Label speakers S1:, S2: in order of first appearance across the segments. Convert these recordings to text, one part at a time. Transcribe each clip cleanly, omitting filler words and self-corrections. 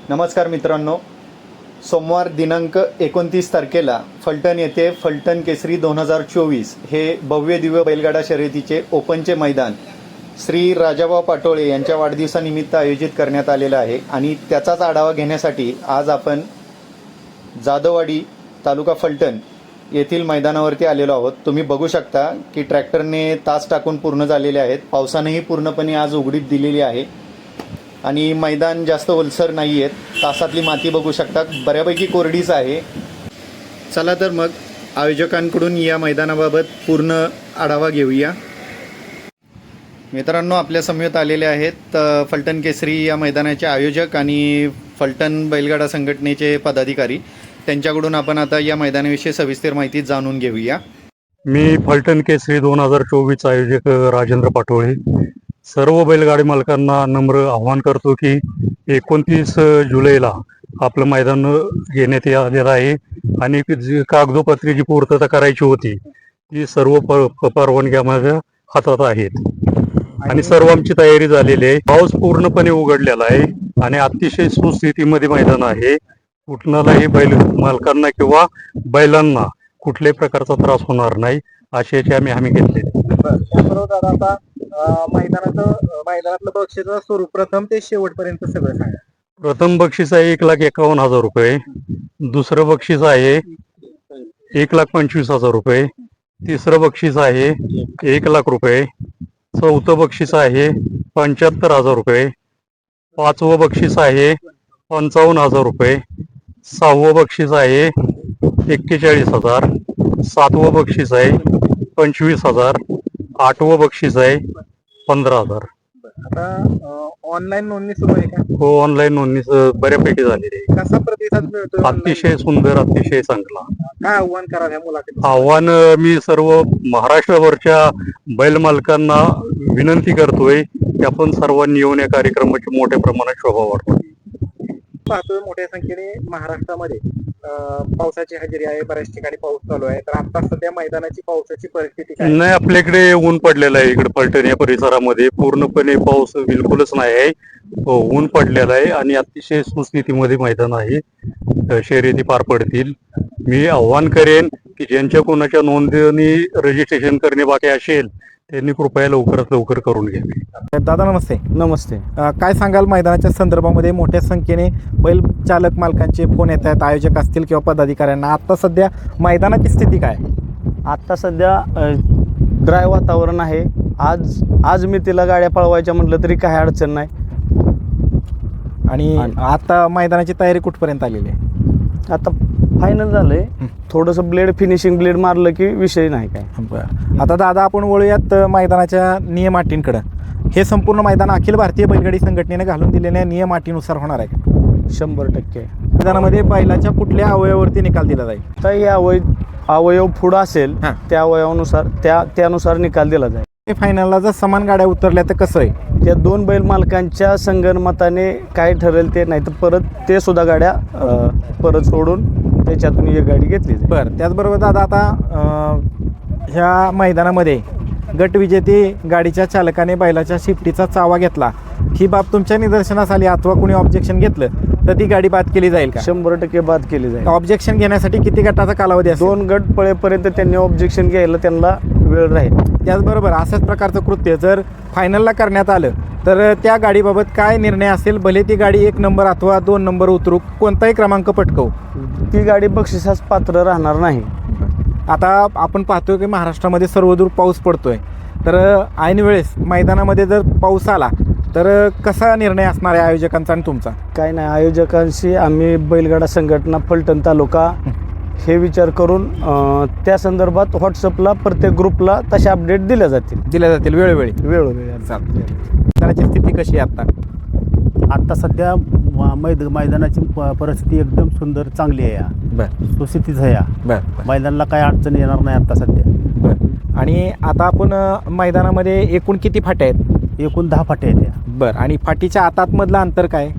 S1: नमस्कार मित्रांनो, सोमवार दिनांक 29 तारखेला फलटण येथे फलटण केसरी 2024 हे भव्य दिव्य बैलगाडा शर्यतीचे ओपनचे मैदान श्री राजाभाऊ पाटोळे यांच्या वाढदिवसानिमित्त आयोजित करण्यात आलेलं आहे आणि त्याचाच आढावा घेण्यासाठी आज आपण जाधववाडी तालुका फलटण येथील मैदानावरती आलेलो आहोत। तुम्ही बघू शकता की ट्रॅक्टरने तास टाकून पूर्ण झालेले आहेत। पावसानेही पूर्णपणे आज उघडीप दिलेली आहे आणि मैदान जास्त ओलसर नाही आहेत। तासातली माती बघू शकता, बऱ्यापैकी कोरडीच आहे। चला तर मग आयोजकांकडून या मैदानाबाबत पूर्ण आढावा घेऊया। मित्रांनो, आपल्या समवेत आलेले आहेत फलटण केसरी या मैदानाचे आयोजक आणि फलटण बैलगाडा संघटनेचे पदाधिकारी। त्यांच्याकडून आपण आता या मैदानाविषयी सविस्तर माहिती जाणून घेऊया।
S2: मी फलटण केसरी 2024 आयोजक राजेंद्र पाटोळे सर्व बैलगाडी मालकांना नम्र आवाहन करतो की 29 जुलैला आपलं मैदान घेण्यात आलेलं आहे आणि जी कागदोपत्री जी पूर्तता करायची होती ती सर्व परवानग्या माझ्या हातात आहेत आणि सर्व आमची तयारी झालेली आहे। पाऊस पूर्णपणे उघडलेला आहे आणि अतिशय सुस्थितीमध्ये मैदान आहे। कुठलाही बैल मालकांना किंवा बैलांना कुठल्याही प्रकारचा त्रास होणार नाही अशी याची आम्ही हमी घेतली।
S3: त्याबरोबर आता मैदानातलं बक्षीचं स्वरूप प्रथम ते शेवटपर्यंत सगळं सांगा।
S2: प्रथम बक्षीस आहे 1,51,000 रुपये, दुसरं बक्षीस आहे 1,25,000 रुपये, तिसरं बक्षीस आहे 1,00,000 रुपये, चौथं बक्षीस आहे 75,000 रुपये, पाचवं बक्षीस आहे 55,000 रुपये, सहावं बक्षीस आहे 41,000, सातवं बक्षीस आहे 25,000, आठवं बक्षीस आहे 15,000।
S3: आता ऑनलाईन नोंदणी सुरू आहे का?
S2: हो, ऑनलाईन नोंदणी बऱ्यापैकी झालेली आहे।
S3: कसा प्रतिसाद मिळतो?
S2: अतिशय सुंदर, अतिशय चांगला।
S3: काय आव्हान करावं या मुलाखतीत?
S2: आव्हान मी सर्व महाराष्ट्रभरच्या बैल मालकांना विनंती करतोय की आपण सर्वांनी येऊन या कार्यक्रमाची मोठ्या प्रमाणात शोभा वाढवू।
S3: पाहतोय मोठ्या संख्येने महाराष्ट्रामध्ये पावसाची हजेरी आहे, बऱ्याच ठिकाणी पाऊस चालू आहे। तर आता सध्या मैदानाची पावसाची परिस्थिती काय?
S2: नाही, आपल्याकडे ऊन पडलेलं आहे। इकडे फलटण या परिसरामध्ये पूर्णपणे पाऊस बिलकुलच नाही आहे, ऊन पडलेलं आहे आणि अतिशय सुस्थितीमध्ये मैदान आहे। शर्यती पार पडतील। मी आव्हान करेन की ज्यांच्या कोणाच्या नोंदणी रजिस्ट्रेशन करणे बाकी असेल त्यांनी कृपया लवकरात लवकर करून घ्यावे।
S3: दादा नमस्ते.
S4: नमस्ते।
S3: काय सांगाल मैदानाच्या संदर्भामध्ये? मोठ्या संख्येने बैल चालक मालकांचे फोन येत आहेत, आयोजक असतील किंवा पदाधिकाऱ्यांना। आता सध्या मैदानाची स्थिती काय?
S4: आत्ता सध्या ड्राय वातावरण आहे। आज मी तिला गाड्या पळवायच्या म्हटलं तरी काही अडचण नाही।
S3: आणि आता मैदानाची तयारी कुठपर्यंत आलेली आहे?
S4: आता फायनल झालंय, थोडंसं फिनिशिंग ब्लेड मारलं की विषय नाही काय।
S3: बरं, आता दादा आपण वळूयात मैदानाच्या नियम अटींकडं। हे संपूर्ण मैदान अखिल भारतीय बैलगाडी संघटनेने घालून दिलेल्या नियम अटीनुसार होणार आहे का?
S4: 100%।
S3: मैदानामध्ये बैलाच्या कुठल्या अवयवावरती निकाल दिला जाईल?
S4: तर हे अवयव पुढं असेल त्या अवयवानुसार त्यानुसार निकाल दिला जाईल।
S3: फायनलला जर समान गाड्या उतरल्या तर कसं आहे?
S4: त्या दोन बैल मालकांच्या संगनमताने काय ठरेल ते, नाही तर परत ते सुद्धा गाड्या परत सोडून त्याच्यातून एक गाडी घेतली जाईल।
S3: बरं, त्याचबरोबर दादा आता ह्या मैदानामध्ये गटविजेते गाडीच्या चालकाने बैलाच्या शिफ्टीचा चावा घेतला, ही बाब तुमच्या निदर्शनास आली अथवा कोणी ऑब्जेक्शन घेतलं तर ती गाडी बाद केली जाईल का?
S4: 100% बाद केली जाईल।
S3: ऑब्जेक्शन घेण्यासाठी किती गटाचा कालावधी असेल?
S4: 2 गट पळेपर्यंत त्यांनी ऑब्जेक्शन घ्यायला त्यांना वेळ राहील।
S3: त्याचबरोबर अशाच प्रकारचं कृत्य जर फायनलला करण्यात आलं तर त्या गाडीबाबत काय निर्णय असेल? भले ती गाडी 1 नंबर अथवा 2 नंबर उतरू, कोणताही क्रमांक पटकवू,
S4: ती गाडी बक्षिसास पात्र राहणार नाही।
S3: आता आपण पाहतोय की महाराष्ट्रामध्ये सर्वदूर पाऊस पडतोय, तर ऐन वेळेस मैदानामध्ये जर पाऊस आला तर कसा निर्णय असणार आहे आयोजकांचा आणि तुमचा?
S4: काय नाही, आयोजकांशी आम्ही बैलगाडा संघटना फलटण तालुका हे विचार करून त्या संदर्भात व्हॉट्सअपला प्रत्येक ग्रुपला तशा अपडेट दिल्या जातील
S3: वेळोवेळी
S4: चालते।
S3: मैदानाची स्थिती कशी आहे आता?
S5: आत्ता सध्या मैदानाची परिस्थिती एकदम सुंदर, चांगली आहे।
S3: बरं
S5: सुस्थितीच आहे।
S3: बरं
S5: मैदानाला काही अडचण येणार नाही आता सध्या।
S3: बरं, आणि आता आपण मैदानामध्ये एकूण किती फाट्या आहेत?
S5: एकूण 10 फाट्या आहेत।
S3: बरं, आणि फाटीच्या आतातमधलं अंतर काय?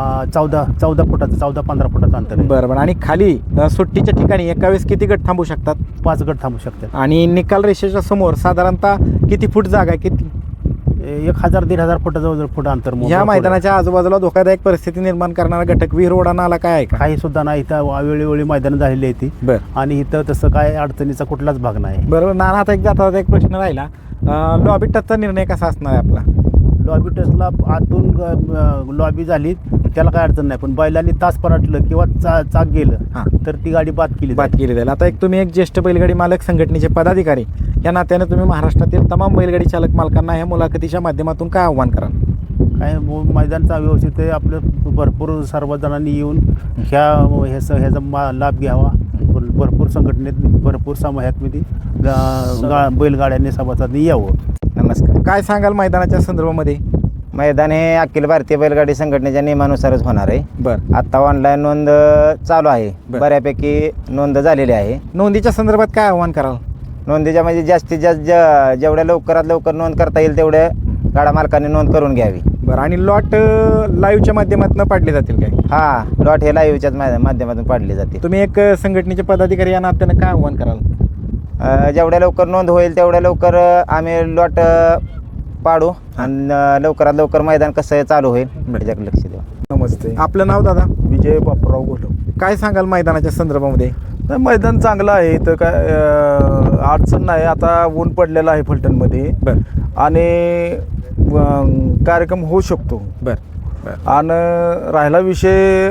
S5: 14 फुटाचं, 14-15 फुटाचं अंतर आहे।
S3: बरं, आणि खाली सुट्टीच्या ठिकाणी एका वेळेस किती गट थांबू शकतात?
S5: 5 गट थांबू शकतात।
S3: आणि निकाल रेषेच्या समोर साधारणतः किती फूट जागा आहे? किती
S5: 1000-1500 फुटाजवळ फुट अंतर मोजलं.
S3: ह्या मैदानाच्या आजूबाजूला धोकादायक परिस्थिती निर्माण करणारा घटक विहीर ओढा नाला काय आहे का?
S5: काही सुद्धा नाही. इथं वेळोवेळी मैदानं झालेली आहे ती.
S3: बरं
S5: आणि इथं तसं काय अडचणीचा कुठलाच भाग नाही.
S3: बरोबर. नाना, आता एक प्रश्न राहिला, लॉबी टचचा निर्णय कसा असणार आहे आपला?
S5: लॉबी टचला आतून लॉबी झाली त्याला काय अडचण नाही, पण बैलांनी तास पराटलं किंवा चाक गेलं
S3: हां.
S5: तर ती गाडी बाद केली
S3: बात
S5: जाईल.
S3: केली जाईल. आता तुम्ही एक ज्येष्ठ बैलगाडी मालक संघटनेचे पदाधिकारी या नात्याने तुम्ही महाराष्ट्रातील तमाम बैलगाडी चालक मालकांना ह्या मुलाखतीच्या माध्यमातून काय आव्हान कराल?
S5: काय मैदानचा व्यवस्थित आहे आपलं. भरपूर सर्वजणांनी येऊन ह्याचा लाभ घ्यावा. भरपूर संघटनेत भरपूर समाजामध्ये बैलगाड्यांनी सभासदांनी यावं.
S3: नमस्कार. काय सांगाल मैदानाच्या संदर्भामध्ये?
S6: मैदान हे अखिल भारतीय बैलगाडी संघटनेच्या नियमानुसारच होणार आहे.
S3: बरं.
S6: आता ऑनलाईन नोंद चालू आहे.
S3: बरं.
S6: बऱ्यापैकी नोंद झालेली आहे.
S3: नोंदीच्या संदर्भात काय आव्हान कराल?
S6: नोंदीच्या म्हणजे जास्तीत जास्त जेवढ्या लवकरात लवकर नोंद करता येईल तेवढ्या गाडा मालकांनी नोंद करून घ्यावी.
S3: बरं. आणि लॉट लाईव्हच्या माध्यमातून पाडले जातील काय?
S6: हा, लॉट हे लाईव्हच्याच माध्यमातून पाडले जाते.
S3: तुम्ही एक संघटनेचे पदाधिकारी या नात्यानं काय आव्हान कराल?
S6: जेवढ्या लवकर नोंद होईल तेवढ्या लवकर आम्ही लॉट पाडू आणि लवकरात लवकर मैदान कसं चालू होईल त्याच्याकडे लक्ष देऊ.
S3: नमस्ते. आपलं नाव दादा?
S7: विजय बापूराव बोलव.
S3: काय सांगाल मैदानाच्या संदर्भामध्ये?
S7: मैदान चांगलं आहे इथं, काय अडचण नाही. आता ऊन पडलेलं आहे फलटणमध्ये
S3: बरं
S7: आणि कार्यक्रम होऊ शकतो.
S3: बरं
S7: आणि राहिला विषय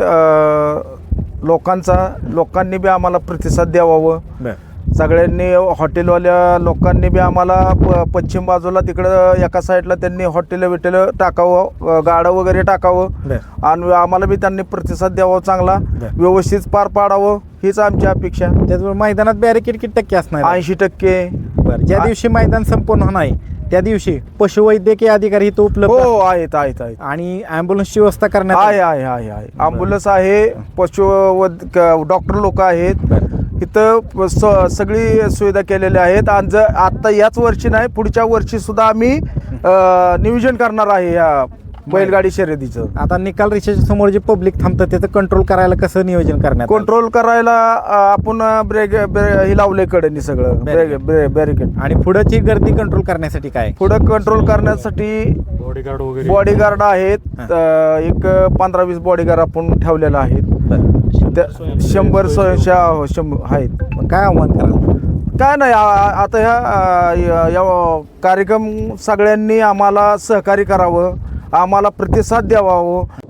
S7: लोकांनी बी आम्हाला प्रतिसाद द्यावावं.
S3: बरं
S7: सगळ्यांनी हॉटेलवाल्या लोकांनी बी आम्हाला पश्चिम बाजूला तिकडं एका साईडला त्यांनी हॉटेल टाकावं, गाडं वगैरे टाकावं
S3: बरं
S7: आणि आम्हाला बी त्यांनी प्रतिसाद द्यावा, चांगला व्यवस्थित पार पाडावं हीच आमची अपेक्षा.
S3: त्याचबरोबर मैदानात बॅरिकेड किती टक्के असणार आहे?
S7: 80%.
S3: बरं. ज्या दिवशी मैदान संपूर्ण होणार आहे त्या दिवशी पशुवैद्यकीय अधिकारी इथं उपलब्ध
S7: हो आहेत आहेत आहेत
S3: आणि ॲम्ब्युलन्सची व्यवस्था करण्यात
S7: आहे आहे आहे आहे ॲम्ब्युलन्स आहे, डॉक्टर लोक आहेत इथं. सगळी सुविधा केलेल्या आहेत. आणि आता याच वर्षी नाही, पुढच्या वर्षी सुद्धा आम्ही नियोजन करणार आहे या बैलगाडी शर्यतीचं.
S3: आता निकाल रेषेच्या समोर जे पब्लिक थांबतं त्याचं कंट्रोल करायला कसं नियोजन करण्यात आलं?
S7: कंट्रोल करायला आपण ब्रेक हे लावले कडेनी सगळं बॅरिकेड.
S3: आणि पुढची गर्दी कंट्रोल करण्यासाठी काय?
S7: पुढं कंट्रोल करण्यासाठी
S2: बॉडीगार्ड वगैरे
S7: बॉडीगार्ड आहेत. एक 15-20 बॉडीगार्ड आपण ठेवलेला आहेत. 100 आहेत.
S3: काय आव्हान कराल?
S7: काय नाही, आता ह्या कार्यक्रम सगळ्यांनी आम्हाला सहकार्य करावं, आम्हाला प्रतिसाद द्यावा.